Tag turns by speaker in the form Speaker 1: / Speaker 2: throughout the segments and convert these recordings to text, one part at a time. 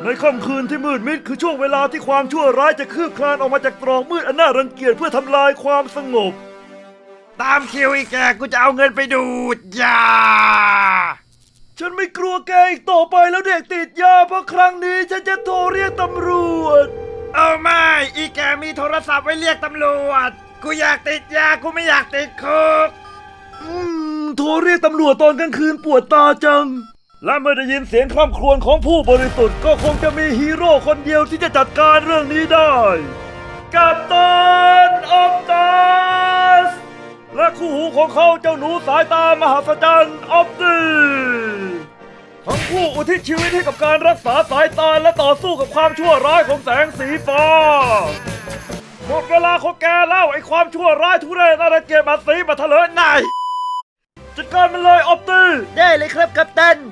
Speaker 1: ในค่ำคืนที่มืดมิดคือช่วงเวลาที่ความชั่วร้ายจะคืบคลานออกมาจากตรอกมืดอันน่ารังเกียจเพื่อทำลายความสงบ
Speaker 2: ตามคิวอีกแกกูจะเอาเงินไปดูดยา
Speaker 1: ฉันไม่กลัวแกอีกต่อไปแล้วเด็กติดยาเพราะครั้งนี้ฉันจะโทรเรียกตำรวจ
Speaker 2: เอาไม่อีแกมีโทรศัพท์ไว้เรียกตำรวจกูอยากติดยากูไม่อยากติดคุก
Speaker 1: โทรเรียกตำรวจตอนกลางคืนปวดตาจังและเมื่อได้ยินเสียงคร่ำครวญของผู้บริสุทธิ์ก็คงจะมีฮีโร่คนเดียวที่จะจัดการเรื่องนี้ได้กัปตันออฟตัสและคู่หูของเขาเจ้าหนูสายตามหัศจรรย์ออฟตีทั้งคู่อุทิศชีวิตให้กับการรักษาสายตาและต่อสู้กับความชั่วร้ายของแสงสีฟ้าหมดเวลาของแกแล้วไอ้ความชั่วร้ายทุเรศน่ารังเกียจมาสีมาเถลิงนายจัดการมันเลยออฟตี
Speaker 2: ได้เลยครับกัปตัน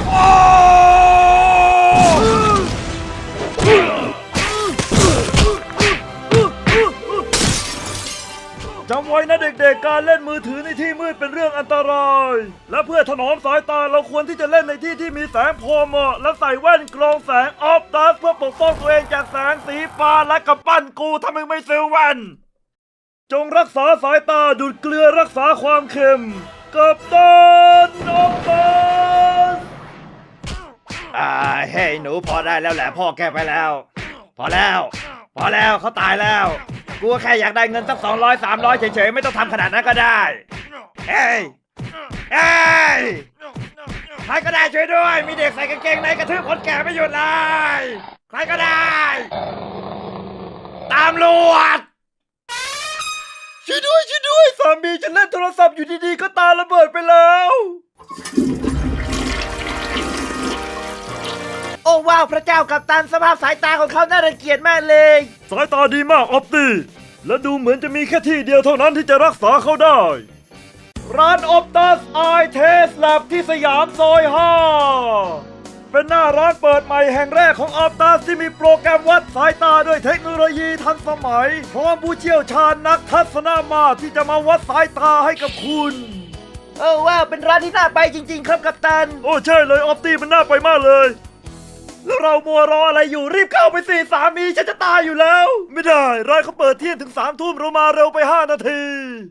Speaker 1: จำไว้นะเด็กๆการเล่นมือถือในที่มืดเป็นเรื่องอันตรายและเพื่อถนอมสายตาเราควรที่จะเล่นในที่ที่มีแสงพอเหมาะและใส่แว่นกรองแสงออฟตัสเพื่อปกป้องตัวเองจากแสงสีฟ้าและกำปั้นกูถ้ามึงไม่ซื้อแว่นจงรักษาสายตาดูดเกลือรักษาความเค็มกัปตันออฟตัส
Speaker 2: เฮ้ยหนูพอได้แล้วแหละพ่อแกไปแล้วพอแล้วเขาตายแล้วกูแค่อยากได้เงินสัก200-300เฉยๆไม่ต้องทำขนาดนั้นก็ได้เฮ้ยใครก็ได้ช่วยด้วยมีเด็กใส่กางเกงในกระทืบคนแก่ไม่หยุดเลยใครก็ได้ตามรวจ
Speaker 1: ช่วยด้วยสามีฉันเล่นโทรศัพท์อยู่ดีๆก็ตาระเบิดไปแล้ว
Speaker 2: โอ้ว้าวพระเจ้ากัปตันสภาพสายตาของเขาน่ารังเกียจมากเลย
Speaker 1: สายตาดีมากออฟตี้และดูเหมือนจะมีแค่ที่เดียวเท่านั้นที่จะรักษาเขาได้ร้านออฟตัสไอเทสแลบที่สยามซอย5เป็นหน้าร้านเปิดใหม่แห่งแรกของออฟตัสที่มีโปรแกรมวัดสายตาด้วยเทคโนโลยีทันสมัยพร้อมผู้เชี่ยวชาญนักทัศนมาตรที่จะมาวัดสายตาให้กับคุณ
Speaker 2: โอ้ว้าวเป็นร้านที่น่าไปจริงๆครับกัปตัน
Speaker 1: โอ้ใช่เลยออฟตี้มันน่าไปมากเลยแล้วเรามัวรออะไรอยู่รีบเข้าไปสิสามีฉันจะตายอยู่แล้วไม่ได้ร้านเขาเปิดเที่ยงถึง3 ทุ่มเรามาเร็วไป5 นาที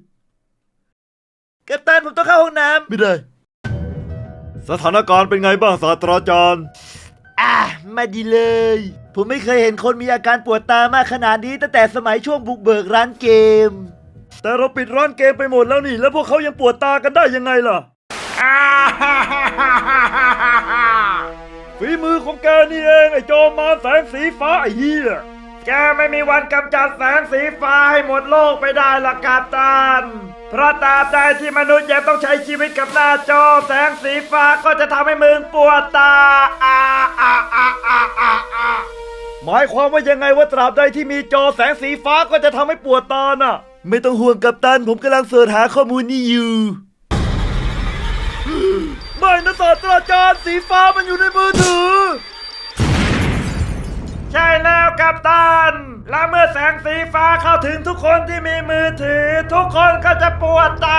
Speaker 2: กัปตันผมต้องเข้าห้องน้ำ
Speaker 1: ไม่ได้สถานการณ์เป็นไงบ้างศาสตราจารย์
Speaker 2: ไม่ดีเลยผมไม่เคยเห็นคนมีอาการปวดตามากขนาดนี้ตั้งแต่สมัยช่วงบุกเบิกร้านเกม
Speaker 1: แต่เราปิดร้านเกมไปหมดแล้วนี่แล้วพวกเขายังปวดตากันได้ยังไงล่ะฝีมือของแกนี่เองไอ้จอมมารแสงสีฟ้าไอ้เหี้ย
Speaker 2: แกไม่มีวันกำจัดแสงสีฟ้าให้หมดโลกไปได้หรอกกัปตันเพราะตราบใดที่มนุษย์ยังต้องใช้ชีวิตกับหน้าจอแสงสีฟ้าก็จะทำให้มึงปวดตา
Speaker 1: หมายความว่ายังไงว่าตราบใดที่มีจอแสงสีฟ้าก็จะทำให้ปวดตาน่ะไม่ต้องห่วงกัปตันผมกำลังเสิร์ชหาข้อมูลนี้อยู่ไม่นะศาสตราจารย์สีฟ้ามันอยู่ในมือถือ
Speaker 2: ใช่แล้วกัปตันและเมื่อแสงสีฟ้าเข้าถึงทุกคนที่มีมือถือทุกคนก็จะปวดตา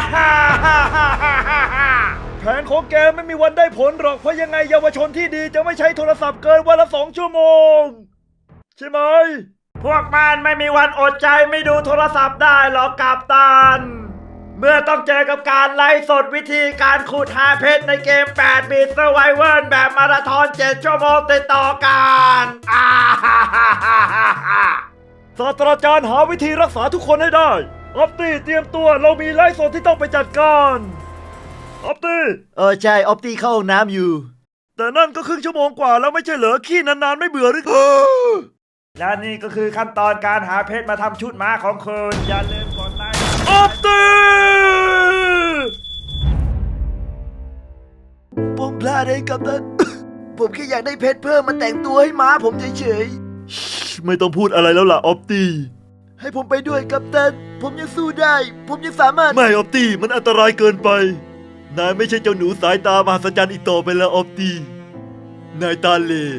Speaker 1: แผนของแกไม่มีวันได้ผลหรอกเพราะยังไงเยาวชนที่ดีจะไม่ใช้โทรศัพท์เกินวันละ2 ชั่วโมงใช่ไหม
Speaker 2: พวกมันไม่มีวันอดใจไม่ดูโทรศัพท์ได้หรอกกัปตันเมื่อต้องเจอกับการไลฟ์สดวิธีการขุดหาเพชรในเกม8 บิต Survival แบบมาราธอน7 ชั่วโมงติดต่อกัน
Speaker 1: ศาสตราจารย์หาวิธีรักษาทุกคนให้ได้ออฟตี้เตรียมตัวเรามีไลฟ์สดที่ต้องไปจัดการออฟตี้
Speaker 2: ใช่ออฟตี้เข้าห้องน้ำอยู่
Speaker 1: แต่นั่นก็ครึ่งชั่วโมงกว่าแล้วไม่ใช่เหรอขี้นานๆไม่เบื่อหรือ
Speaker 2: และนี่ก็คือขั้นตอนการหาเพชรมาทำชุดม้าของคุณอย่าลืมกดไลค์
Speaker 1: ออฟตี้
Speaker 2: ผมพลาดเองกัปตันผมแค่อยากได้เพชรเพิ่มมาแต่งตัวให้ม้าผมเฉย
Speaker 1: ๆไม่ต้องพูดอะไรแล้วล่ะออฟตี้
Speaker 2: ให้ผมไปด้วยกัปตันผมยังสู้ได้ผมยังสามารถ
Speaker 1: ไม่ออฟตี้มันอันตรายเกินไปนายไม่ใช่เจ้าหนูสายตามหัศจรรย์อีกต่อไปแล้วออฟตี้นายตาเล่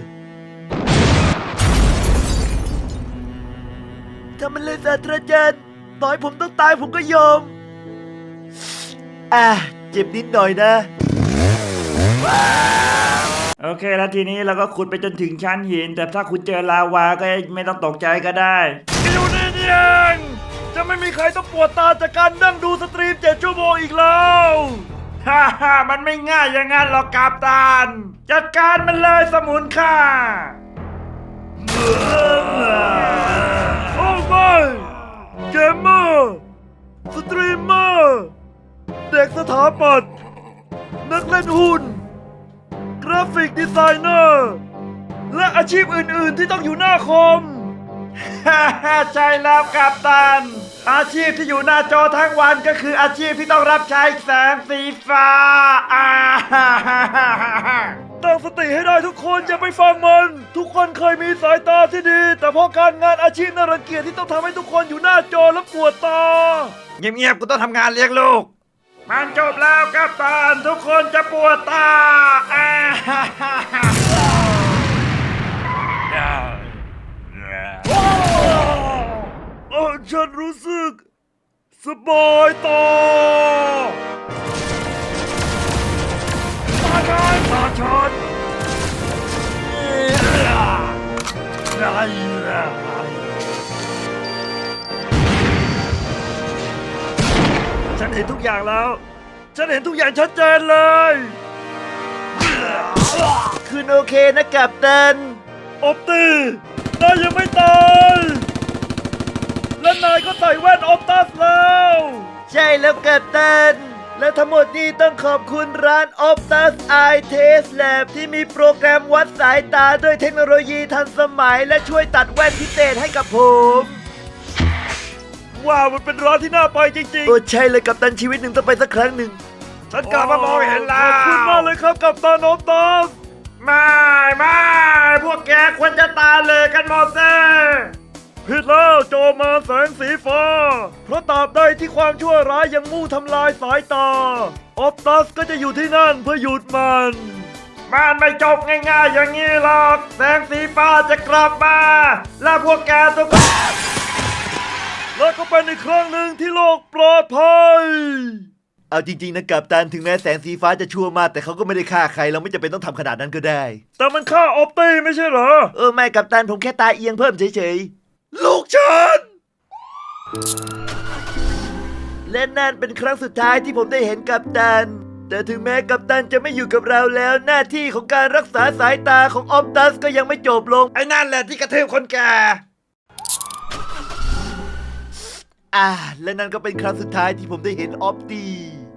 Speaker 2: ทำมันเลยศาสตราจารย์ต่อให้ผมต้องตายผมก็ยอมเจ็บนิดหน่อยนะโอเคแล้วทีนี้เราก็ขุดไปจนถึงชั้นหิน แต่ถ้าคุณเจอลาวาก็ไม่ต้องตกใจก็ได้
Speaker 1: อยู่นี่นี่เองจะไม่มีใครต้องปวดตาจากการนั่งดูสตรีม7 ชั่วโมงอีกแล้ว
Speaker 2: ฮ่าฮ่ามันไม่ง่ายอย่างนั้นหรอกกัปตัน จัดการมันเลยสมุนค่า
Speaker 1: โอ้ไม่เกมเมอร์สตรีมเมอร์เด็กสถาปัตย์นักเล่นหุ้นกราฟิกดีไซเนอร์และอาชีพอื่นๆที่ต้องอยู่หน้าคอม
Speaker 2: ฮ่าฮ่าใช่แล้วกัปตัน อาชีพที่อยู่หน้าจอทั้งวันก็คืออาชีพที่ต้องรับใช้แสงสีฟ้าฮ่าฮ่าฮ่าฮ่า
Speaker 1: ตั้งสติให้ได้ทุกคนอย่าไปฟังมัน ทุกคนเคยมีสายตาที่ดี แต่เพราะการงานอาชีพน่ารังเกียจที่ต้องทำให้ทุกคนอยู่หน้าจอแล้วปวดตา
Speaker 2: เงียบๆกูต้องทำงานเลี้ยงลูก มันจบแล้วกัปตัน ทุกคนจะปวดตาฮ่าฮ่าฮ่าฮ่า
Speaker 1: ฉันรู้สึกสบายตาตาฉันฉันเห็นทุกอย่างแล้ว ฉันเห็นทุกอย่างชัดเจนเลย
Speaker 2: คุณโอเคนะกัปตัน
Speaker 1: อบตีนายยังไม่ตาย และนายก็ใส่แว่นออปตัสแล้ว
Speaker 2: ใช่แล้วกัปตัน และทั้งหมดนี้ต้องขอบคุณร้าน Optus Eye Test Lab ที่มีโปรแกรมวัดสายตาด้วยเทคโนโลยีทันสมัย และช่วยตัดแว่นพิเศษให้กับผม
Speaker 1: ว้าว มันเป็นร้านที่น่าไปจริงๆ
Speaker 2: โอ้ใช่เลยกัปตันชีวิตหนึ่งต้องไปสักครั้งหนึ่ง ฉันกลับมามองเห็นแล้
Speaker 1: ขอบคุณมากเลยครับกับตาออปตัส
Speaker 2: ไม่พวกแกควรจะตายเลยกันหมดเซ่
Speaker 1: ผิดแล้วโจมมาแสงสีฟ้า เพราะตราบใดที่ความชั่วร้ายยังมู่ทำลายสายตา ออปตัสก็จะอยู่ที่นั่นเพื่อหยุดมัน
Speaker 2: มันไม่จบง่ายๆอย่างนี้หรอก แสงสีฟ้าจะกลับมา และพวกแกทุกคน
Speaker 1: แล้วก็เป็นอีกครั้งหนึ่งที่โลกปลอดภัย
Speaker 2: เอาจริงๆนะกัปตันถึงแม้แสงสีฟ้าจะชั่วมากแต่เขาก็ไม่ได้ฆ่าใครเราไม่จำเป็นต้องทำขนาดนั้นก็ได้
Speaker 1: แต่มันฆ่าออปตี้ไม่ใช่เหรอ
Speaker 2: ไม่กัปตันผมแค่ตาเอียงเพิ่มเฉย
Speaker 1: ลูกฉัน
Speaker 2: ๆ และนั่นเป็นครั้งสุดท้ายที่ผมได้เห็นกัปตัน แต่ถึงแม้กัปตันจะไม่อยู่กับเราแล้วหน้าที่ของการรักษาสายตาของออปตัสก็ยังไม่จบลง ไอ้นั่นแหละที่กระทืบคนแก่และนั่นก็เป็นครั้งสุดท้ายที่ผมได้เห็นออปตี้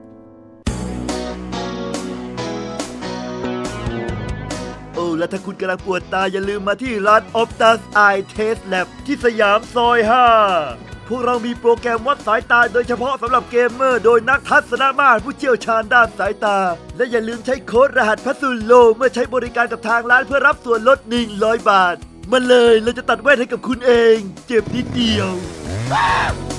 Speaker 2: และถ้าคุณกำลังปวดตาอย่าลืมมาที่ร้าน Optus Eye Test Lab ที่สยามซอย 5 พวกเรามีโปรแกรมวัดสายตาโดยเฉพาะสำหรับเกมเมอร์โดยนักทัศนมาตรผู้เชี่ยวชาญด้านสายตา และอย่าลืมใช้โค้ดรหัสพัสดุโลเมื่อใช้บริการกับทางร้านเพื่อรับส่วนลด100 บาท มาเลยเราจะตัดแว่นให้กับคุณเอง เจ็บนิดเดียว